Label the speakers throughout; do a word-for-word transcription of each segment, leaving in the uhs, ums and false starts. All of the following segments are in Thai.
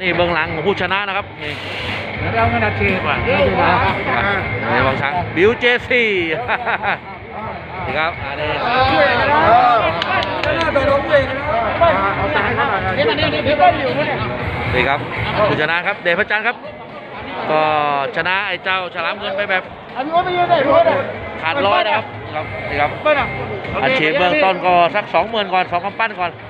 Speaker 1: นี่เบื้องหลังของผู้ชนะนะครับนี่
Speaker 2: เราไม่นาทีว่าเยอะนะ
Speaker 1: นี่บางช้างบิวเจซี่นี่ครับอันนี้นี่ครับผู้ชนะครับเดชพระจันทร์ครับก็ชนะไอ้เจ้าฉลามเงินไปแบบขาดร้อยนะครับครับนี่ครับอาชีพเบื้องต้นก็สักสองหมื่นก่อนสองกำปั้นก่อน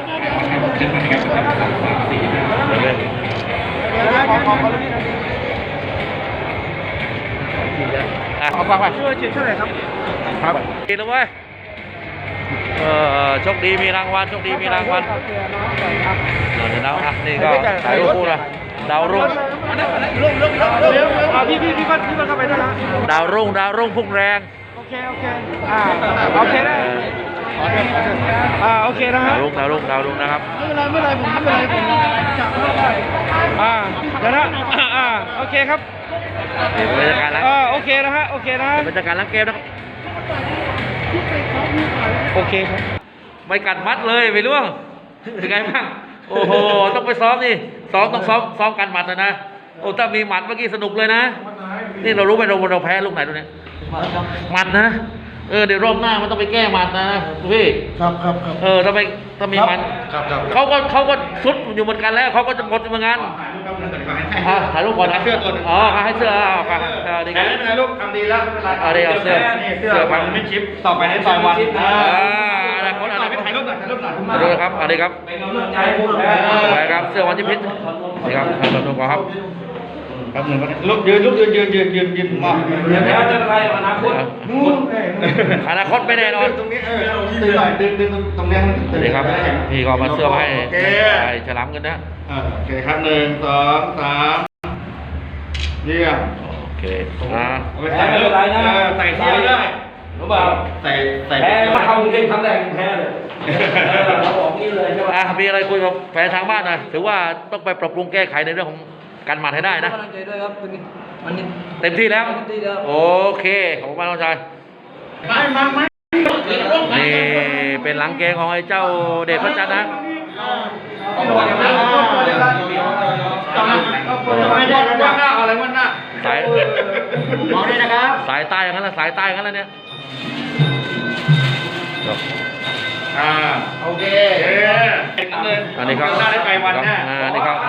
Speaker 1: เอาฟังไปช่วยช่วยครับครับกินแล้วเว้ยเออโชคดีมีรางวัลโชคดีมีรางวัลเดี๋ยวนะอ่ะนี่ก็ถ่ายรูปคู่นะดาวรุ่ง
Speaker 2: พี่พี่พี่พี่เข้าไปด้วยนะ
Speaker 1: ดาวรุ่งดาวรุ่งพุ่งแรง
Speaker 2: โอเคโอเคอ่าโอเคได้อ่าโอเคนะฮะ
Speaker 1: ดาวรุ่งดาวรุ่งดาวรุ่งนะครับ
Speaker 2: ไม่เป็นไรไม่เป็นไรผมไม่เป็นไรผมจับได้อ่าเดี๋ยวนะอ่าโอเคครับ
Speaker 1: นี่เป็นบรรยากาศแล้ว
Speaker 2: อ่าโอเคนะฮะโอเคนะ
Speaker 1: บรรยากาศล้างเกมนะครับ
Speaker 2: โอเคครับ
Speaker 1: ไม่กัดมัดเลยไปล่วงยังไงบ้างโอ้โหต้องไปซ้อมนี่ซ้อมต้องซ้อมซ้อมกันหมัดเลยนะโอ้ถ้ามีหมัดเมื่อกี้สนุกเลยนะนี่เรารู้ไหมเราเราแพ้ลูกไหนตัวนี้หมัดนะเออเดี๋ยวรอบหน้ามันต้องไปแก้หมัดนะพี่
Speaker 2: ครับครับครับ
Speaker 1: เออถ้าไปถ้ามีหมัดเขาก็เขาก็สุดอยู่เหมือนกันแล้วเขาก็จะหมดเหมือนกันถ่ายรูปก่อนนะ
Speaker 2: เสื้อตัว
Speaker 1: อ๋อให้เสื้อเอาครับดีครับ
Speaker 2: ถ่ายรูปทำดีแล้วไม่เป็นไร
Speaker 1: เอาดีเอาเสื้อ
Speaker 2: เสื้อพันไม่ชิปต่อไปในซอยวัน
Speaker 1: อ่าอะไรคนอะไร
Speaker 2: ถ่ายรูปหน่อยถ่ายรูปหน่อย
Speaker 1: ดูครับเอาดีครับไปครับเสื้อวันที่พิษดีครับถ่ายรูปก่อนครับ
Speaker 2: ครับหนึ่งลุกยืนลุกยืนยืนยืนยืนยืนมา
Speaker 1: เดี๋ยวจะอะไรอนาคตอนาคตไม่แน่นอน
Speaker 2: ตรงนี้เออดึงหน่อยดึงดึงตรงนี้
Speaker 1: ดีครับพี่ก็มาเสื้อให้ไอ้ฉลามกันนะ
Speaker 2: โอเคครับหนึ่งสองสามเยี่ยม
Speaker 1: โอเคอ่า
Speaker 2: ใส่อะไรนะใส่ที่ได้รู้เปล่าใส่ใส่
Speaker 3: แพ้มาเข้ากรุงเทพครั้งแรกแพ้เลยเราบอกนี่เลยใช่ไหม
Speaker 1: อ่ะมีอะไรคุยกับแฟนทางบ้านหน่อยถือว่าต้องไปปรับปรุงแก้ไขในเรื่องของการหมัดให้ได้นะเต็มที่แล้วโอเคขอบคุณมากน้องชายนี่เป็นหลังเกมของไอ้เจ้าเดชพระจันทร์นะสาย
Speaker 2: มองได้นะครับ
Speaker 1: สายใต้อย่างนั้นละสายใต้อย่างนั้นละเนี่ย
Speaker 2: อ่าโอเค
Speaker 1: อันนี้ครับ
Speaker 2: หน้าได้ไปวันแน่
Speaker 1: อันนี้ครับ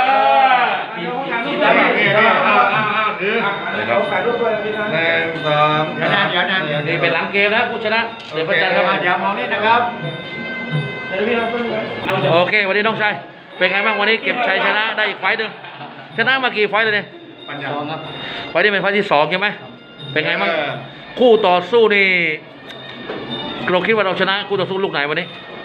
Speaker 2: นี่ครับถ่ายรูปด้วยพี่นะหนึ่งสองเดี๋ยวนะเดี๋ยวนะ
Speaker 1: นี่เป็นหลังเกมนะผู้ชนะเดี๋ยวพระจันทร์ครับ
Speaker 2: เดี๋ยวมองนี่นะครับ
Speaker 1: โอเควันนี้น้องชายเป็นไงบ้างวันนี้เก็บชัยชนะได้อีกไฟต์หนึ่งชนะมากี่ไฟต์เลยเนี่ยไฟต์นี้เป็นไฟต์ที่สองใช่ไหมเป็นไงบ้างคู่ต่อสู้นี่เราคิดว่าเราชนะคู่ต่อสู้ลูกไหนวันนี้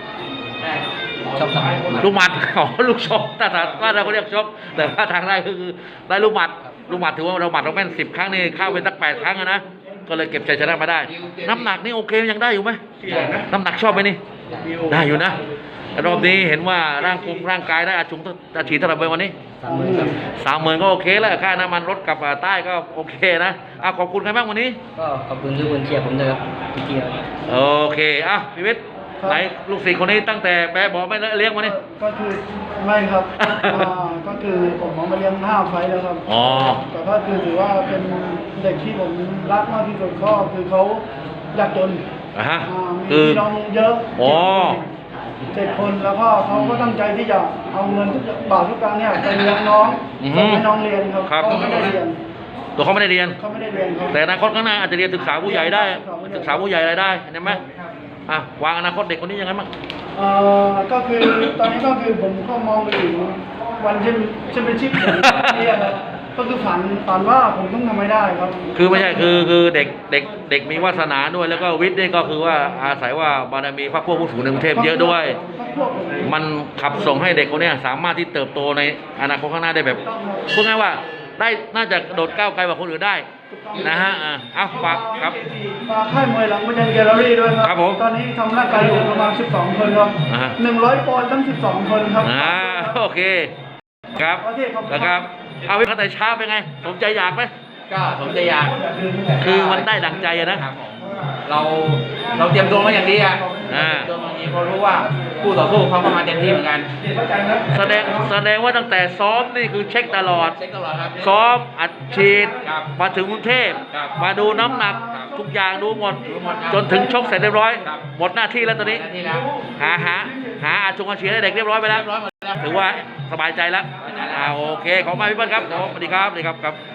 Speaker 1: ลูกหมัดอ๋อลูกชกแต่ถ้าเราเรียกชกแต่ว่าทางได้คือได้ลูกหมัดลูกหมัดถือว่าเราหมัดเราแม่นสิบครั้งนี่เข้าไปตั้งแปดครั้งนะก็เลยเก็บชัยชนะมาได้น้ำหนักนี่โอเคยังได้อยู่ไหมน้ำหนักชอบไหมนี่ได้อยู่นะรอบนี้เห็นว่าร่างกายร่างกายได้อาชุงอาชีพเท่าไหร่ไปวันนี้สามหมื่นก็โอเคแล้วค่าน้ำมันรถกับใต้ก็โอเคนะอ่ะขอบคุณใครบ้างวันนี้
Speaker 3: ก็ขอบคุณทุกคนเชียร์ผมด้วยครับพี่เกียร์
Speaker 1: โอเคอ่ะพี่วิทย์ไหนลูกศิษย์คนนี้ตั้งแต่แปะบอกไม่เลี้ยงมาเนี่ย
Speaker 4: ก็คือไม่ครับก็คือผมเอามาเลี้ยงห้าไฟแล้วครับ
Speaker 1: อ๋อ
Speaker 4: แต่ก็คือถือว่าเป็นเด็กที่ผมรักมากที่สุดก็คือเขายากจน
Speaker 1: อ่ะฮะ
Speaker 4: มีพี่น้องเยอะ
Speaker 1: อ๋อ
Speaker 4: เจ็ดคนแล้วก็เขาก็ตั้งใจที่จะเอาเงินทุกบาททุกตังค์เนี่ยไปเลี้ยงน้องส่งให้น้องเรียนครับเขาไม่ได้เรียน
Speaker 1: ตัวเขาไม่ได้เรียน
Speaker 4: เขาไม่ได้เรียนครับ
Speaker 1: แต่อนาคตข้างหน้าอาจจะเรียนศึกษาผู้ใหญ่ได้ศึกษาผู้ใหญ่อะไรได้เห็นไหมอ่ะวางอนาคตเด็กคนนี้ยังไงบ้าง
Speaker 4: เอ่อก็คือตอนนี้ก็คือผมก็มองไปถึงวันแชมแชมเปี้ยนชิพนี่ครับก็คือฝันฝันว่าผมต้องทำให้ได้ครับ
Speaker 1: คือไม่ใช่คือคือเด็กเด็กเด็กมีวาสนาด้วยแล้วก็วิทย์นี่ก็คือว่าอาศัยว่าบารมีพระพวกผู้สูงในกรุงเทพเยอะด้วยมันขับส่งให้เด็กคนนี้สามารถที่เติบโตในอนาคตข้างหน้าได้แบบพูดง่ายว่าได้น่าจะโดดก้าวไกลกว่าคนอื่นได้นะฮะอ่ะเอาฝากครับ
Speaker 4: ฝากค่ายมวยหลังมันยันแกลเลอรี่ด้วยครับ
Speaker 1: ครับผม
Speaker 4: ตอนนี้ทำร่างกายอยู่ประมาณสิบสองคนครับหนึ่งร้อยปอนด์ตั้งสิบสองคนครับ
Speaker 1: อ่าโอเคครับนะครับเอาวิเคราะห์แต่ช้าเป็นไงสมใจอยากไหม
Speaker 3: ก็สมใจอยาก
Speaker 1: คือมันได้ดังใจนะ
Speaker 3: เราเราเตรียมตัวมาอย่างดีอ่ะ
Speaker 1: อ่า
Speaker 3: ตัวมาอย่างนี้เพราะรู้ว่า
Speaker 2: คู่ต่อสู้เขาก็มาเต็มที่เหมือนกัน
Speaker 1: แสดงแสดงว่าตั้งแต่ซ้อมนี่คือเช็คตลอด
Speaker 2: เช็คตลอดครับ
Speaker 1: ซ้อมอัดฉีด
Speaker 2: ครับ
Speaker 1: มาถึงกรุงเทพ
Speaker 2: ครับ
Speaker 1: มาดูน้ำหนัก
Speaker 2: ครับ
Speaker 1: ทุกอย่างดูหมด
Speaker 2: ดูหมดครับ
Speaker 1: จนถึงชกเสร็จเรียบร้อย
Speaker 2: ครับ
Speaker 1: หมดหน้าที่แล้วตอนนี้
Speaker 2: หน้าที่แล้ว
Speaker 1: หาหาหาอาชงอาเชียให้เด็กเรียบร้อยไปแล้ว
Speaker 2: เรียบร้อยหมดแล้ว
Speaker 1: ถือว่าสบายใจแล้ว
Speaker 2: สบายใจแล้ว
Speaker 1: อ่าโอเค ขอบคุณมากพี่เปิ้ลครับผมสวัสดีครับสวัสดีครับครับ